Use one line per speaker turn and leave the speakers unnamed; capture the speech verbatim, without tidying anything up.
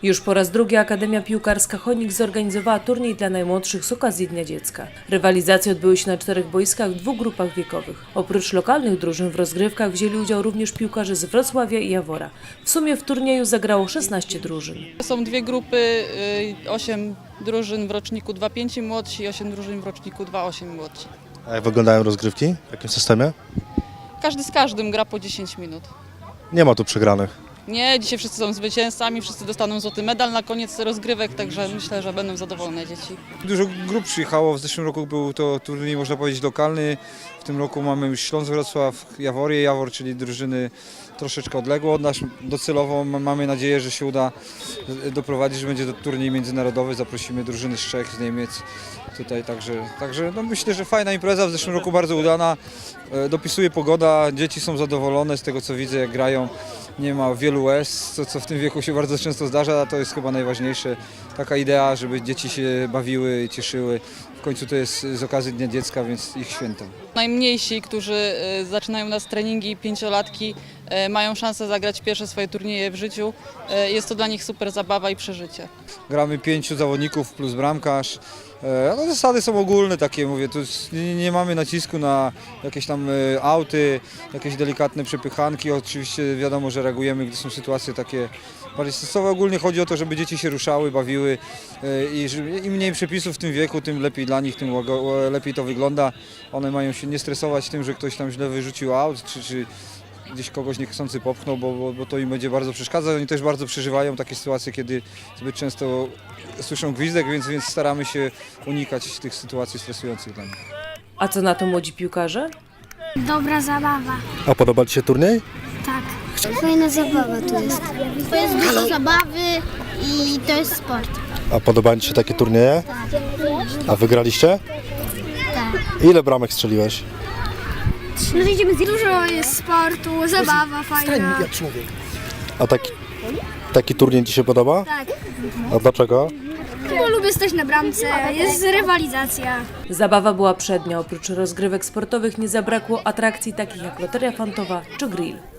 Już po raz drugi Akademia Piłkarska Chonik zorganizowała turniej dla najmłodszych z okazji Dnia Dziecka. Rywalizacje odbyły się na czterech boiskach w dwóch grupach wiekowych. Oprócz lokalnych drużyn w rozgrywkach wzięli udział również piłkarze z Wrocławia i Jawora. W sumie w turnieju zagrało szesnaście drużyn.
Są dwie grupy, osiem drużyn w roczniku dwa pięć młodsi i osiem drużyn w roczniku dwa osiem młodsi.
A jak wyglądają rozgrywki? W jakim systemie?
Każdy z każdym gra po dziesięć minut.
Nie ma tu przegranych.
Nie, dzisiaj wszyscy są zwycięzcami, wszyscy dostaną złoty medal na koniec rozgrywek, także myślę, że będą zadowolone dzieci.
Dużo grup przyjechało, w zeszłym roku był to turniej, można powiedzieć, lokalny. W tym roku mamy już Śląsk Wrocław, Jaworie, Jawor, czyli drużyny troszeczkę odległe od nas. Docelowo mamy nadzieję, że się uda doprowadzić, że będzie to turniej międzynarodowy. Zaprosimy drużyny z Czech, z Niemiec tutaj, także, także no myślę, że fajna impreza, w zeszłym roku bardzo udana. Dopisuje pogoda, dzieci są zadowolone z tego, co widzę, jak grają. Nie ma wielu łez, co, co w tym wieku się bardzo często zdarza, a to jest chyba najważniejsze. Taka idea, żeby dzieci się bawiły i cieszyły. W końcu to jest z okazji Dnia Dziecka, więc ich święto.
Najmniejsi, którzy zaczynają nas treningi, pięciolatki, mają szansę zagrać pierwsze swoje turnieje w życiu. Jest to dla nich super zabawa i przeżycie.
Gramy pięciu zawodników plus bramkarz. No, zasady są ogólne takie, mówię, tu nie, nie mamy nacisku na jakieś tam auty, jakieś delikatne przepychanki. Oczywiście wiadomo, że reagujemy, gdy są sytuacje takie bardziej stresowe. Ogólnie chodzi o to, żeby dzieci się ruszały, bawiły i im mniej przepisów w tym wieku, tym lepiej dla nich, tym lepiej to wygląda. One mają się nie stresować tym, że ktoś tam źle wyrzucił aut, czy, czy gdzieś kogoś niechcący popchnął, bo, bo, bo to im będzie bardzo przeszkadzać. Oni też bardzo przeżywają takie sytuacje, kiedy zbyt często słyszą gwizdek, więc, więc staramy się unikać tych sytuacji stresujących dla nich.
A co na to młodzi piłkarze?
Dobra zabawa.
A podoba Ci się turniej?
Tak. Fajna zabawa tu jest. To jest dużo zabawy i to jest sport.
A podobają Ci się takie turnieje? A wygraliście?
Tak.
Ile bramek strzeliłeś?
No idziemy dużo jest sportu, zabawa fajna.
A taki, taki turniej Ci się podoba?
Tak.
A dlaczego?
Bo lubię stać na bramce, jest rywalizacja.
Zabawa była przednia. Oprócz rozgrywek sportowych nie zabrakło atrakcji takich jak loteria fantowa czy grill.